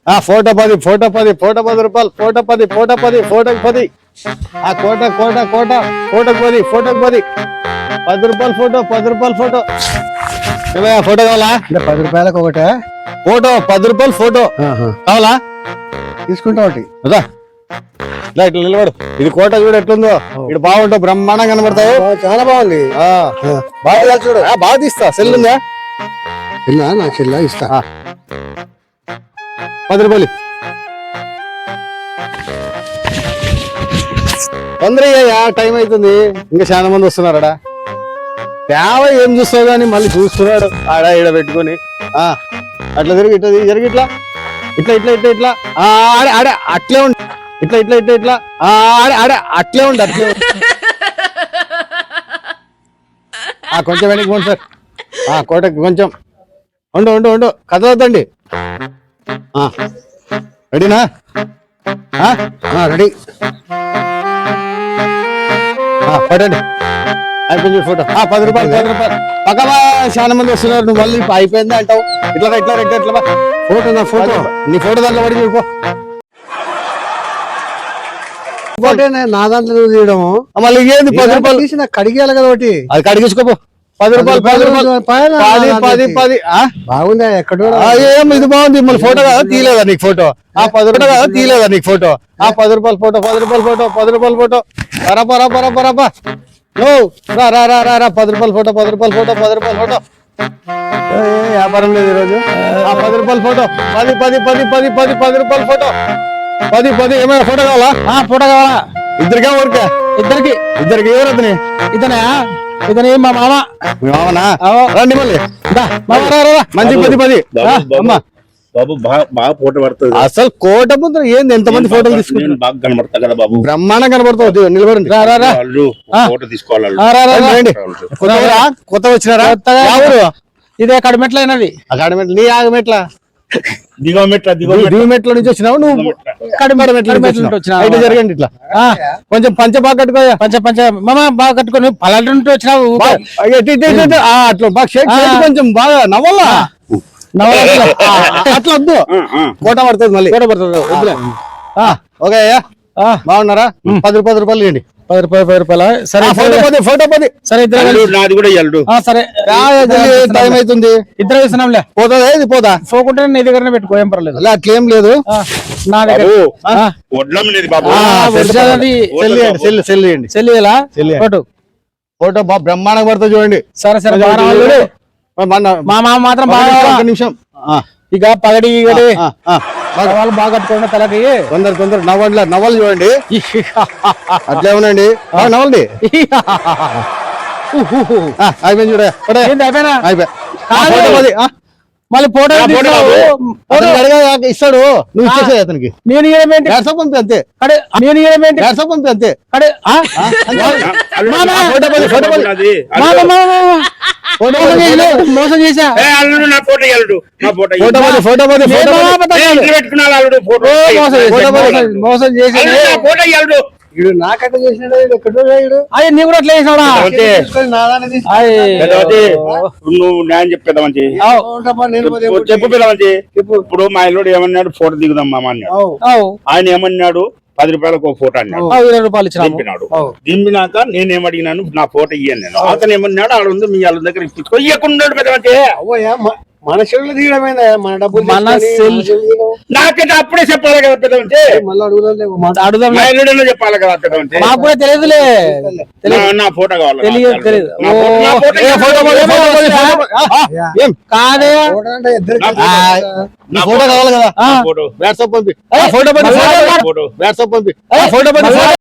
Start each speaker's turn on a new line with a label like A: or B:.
A: Photo 10 photo 10 photo 10 రూపాయలు photo 10 photo 10 ఫోటోకి 10 కోట కోట కోట ఫోటోకి 10 ఫోటోకి 10 10 రూపాయలు ఫోటో 10 రూపాయలు ఫోటో ఏమయ్యా ఫోటో కావాలా?
B: 10 రూపాయలకు ఒకటే
A: ఫోటో 10 రూపాయలు ఫోటో కావాలా?
B: తీసుకుంటా ఒకటి
A: ఇట్లా నిలబడు. ఇది కోట చూడు ఎట్లుందో, ఇది బాగుంటావు, బ్రహ్మాండంగా కనబడతావు.
B: చాలా బాగుంది.
A: బాగా చూడు, బాగా తీస్తా. సెల్ ఉందా?
B: నా చెల్ల ఇస్తా.
A: 10 రూపాయలు తొందరగా, టైం అవుతుంది, ఇంకా చాలా మంది వస్తున్నారా. తేవ ఏం చూస్తావు కానీ మళ్ళీ చూస్తున్నాడు ఆడ ఈడ పెట్టుకొని. అట్లా తిరిగి ఇట్లా జరిగి ఇట్లా ఇట్లా ఇట్లా ఇట్లా ఇట్లా ఆడే ఆడే అట్లే ఉండి ఇట్లా ఇట్లా ఇట్లా ఇట్లా ఆడే ఆడే అట్లే ఉండి అట్లే కొంచెం వెనక్కి పోండి సార్. కోటకి కొంచెం ఉండు ఉండు ఉండు, కదలొద్దండి. రెడీనా?
B: రెడీ.
A: పడండి, అయిపోయింది ఫోటో. 10 రూపాయలు 10 రూపాయలు పక్కన చాలా మంది వస్తున్నారు. నువ్వు మళ్ళీ అయిపోయింది అంటావు. ఇట్లా ఇట్లా ఇట్లా ఇట్లా ఫోటో, నా ఫోటో, నీ ఫోటో దాంట్లో పడి చూడుకో.
B: నా దాంట్లో నువ్వు తీయడము
A: మళ్ళీ ఏంది 10 రూపాయలు
B: తీసి నాకు కడిగేయాలి కదా ఒకటి.
A: అది కడిగించుకోపో. 10 రూపాయలు 10 రూపాయలు 10 10
B: బాగుందా? ఎక్కడ
A: ఏం ఇది బాగుంది. మళ్ళీ ఫోటో కదా తీయలేదా నీకు ఫోటో? 10 రూపాయలు కదా తీయలేదా నీకు ఫోటో? 10 రూపాయలు ఫోటో 10 రూపాయలు ఫోటో 10 రూపాయలు ఫోటో పరపరపరపరప రా రా రా రా రా 10 రూపాయలు ఫోటో 10 రూపాయలు ఫోటో 10 రూపాయలు ఫోటో. వ్యాపారం లేదు ఈరోజు. 10 రూపాయలు ఫోటో 10 10 10 10 10 10 రూపాయలు ఫోటో 10 10. ఏమైనా ఫోటో కావాలా? ఫోటో కావాలా? ఇద్దరికా ఊరికే? ఇద్దరికి ఎవరు అతని? ఇతనే మా మామ. మీ మామనా? రండి మళ్ళీ మంచి 10 10 అమ్మా.
C: బాబు బాగా ఫోటో పడుతుంది.
A: అసలు కోట ముందు ఏంది ఎంతమంది ఫోటోలు తీసుకుంటారు?
C: బాగా కనబడతా కదా బాబు,
A: బ్రహ్మాండం కనబడతావు. నిలబడండి,
C: ఫోటో తీసుకోవాలి.
A: కొత్త వచ్చినారా?
B: ఇదే కడిమెట్ల అయినది.
A: అకాడమెట్ల నీ ఆగమెట్ల
C: దిగో
A: మెట్ల నుంచి వచ్చినావు నువ్వు. అయితే జరగండి ఇట్లా కొంచెం పంచ బాగా కట్టుకోయా.
B: పంచ మామ బాగా కట్టుకొని పల్లెటూరు నుండి వచ్చినావు.
A: అట్లా బాగా షేక్ కొంచెం బాగా నవ్వాలా అట్లా వద్దు. కోట పడుతుంది మళ్ళీ. కోట పడుతుంది వద్దులే. ఓకే అయ్యా, బాగున్నారా? 10 రూపాయలు ఇవ్వండి. 10 రూపాయలు సరే. ఫోటో 10 సరే.
C: నాది కూడా ఇయ్యాలి.
A: సరే టైం అవుతుంది.
B: ఇద్దరు వేసినాంలే.
A: పోతుందా? ఇది పోదా?
B: పోకుంటే నీ దగ్గరనే పెట్టుకో, ఏం పర్లేదు.
A: అట్లేం లేదు.
B: నా దగ్గర
A: ఫోటో బాగా బ్రహ్మాండంగా పడుతుంది చూడండి.
B: సరే సరే. మా మామ మాత్రం బాగా.
A: నిమిషం
B: ఇక పగడి వాళ్ళు బాగా కట్టుకోండి తలకి.
A: తొందర నవ్వాలి చూడండి. అట్లే ఉండండి, నవ్వండి. అయిపోయింది చూడ.
B: అయిపోయినా
A: మళ్ళీ ఫోటో ఇస్తాడు, నువ్వు ఇచ్చేసే అతనికి.
B: నేను
A: వాట్సాప్ పంపి అంతే. వాట్సాప్ పంపి అంతే.
B: మోసం చేసా. మోసం చేసా. నాకట్లా చేసినాడు. అయ్యే నీ కూడా అట్లా చేసినాడా?
C: నువ్వు న్యాయం చెప్పేదా మంచి చెప్పు పిల్ల మంచి. ఇప్పుడు మా ఇల్లుడు ఏమన్నాడు, ఫోటో దిగుదాం మామ అన్నాడు. ఆయన ఏమన్నాడు, 10 రూపాయలకు ఒక ఫోటో అన్నాడు.
B: 20 రూపాయలు
C: దింపినాడు. దింపినాక నేనేమడిగినాను, నా ఫోటో ఇయ్యాను నేను. అతను ఏమన్నాడు, ఆడ ఉంది మీ వాళ్ళ దగ్గర ఇప్పించుకో. ఇయ్యకున్నాడు పెద్ద మంచి.
B: మన చెవులు తీయడమైందా? మన డబ్బులు
C: నాకైతే అప్పుడే చెప్పాలి కదా పెద్ద మంచి.
B: అడుగుదాం
C: చెప్పాలి కదా పెద్ద మంచి.
B: మాకు కూడా తెలియదులే.
C: నా ఫోటో కావాలి.
B: తెలియదు. కాదే
A: ఫోటో కావాలి కదా. వాట్సాప్ పంపి. ఫోటో పంపి.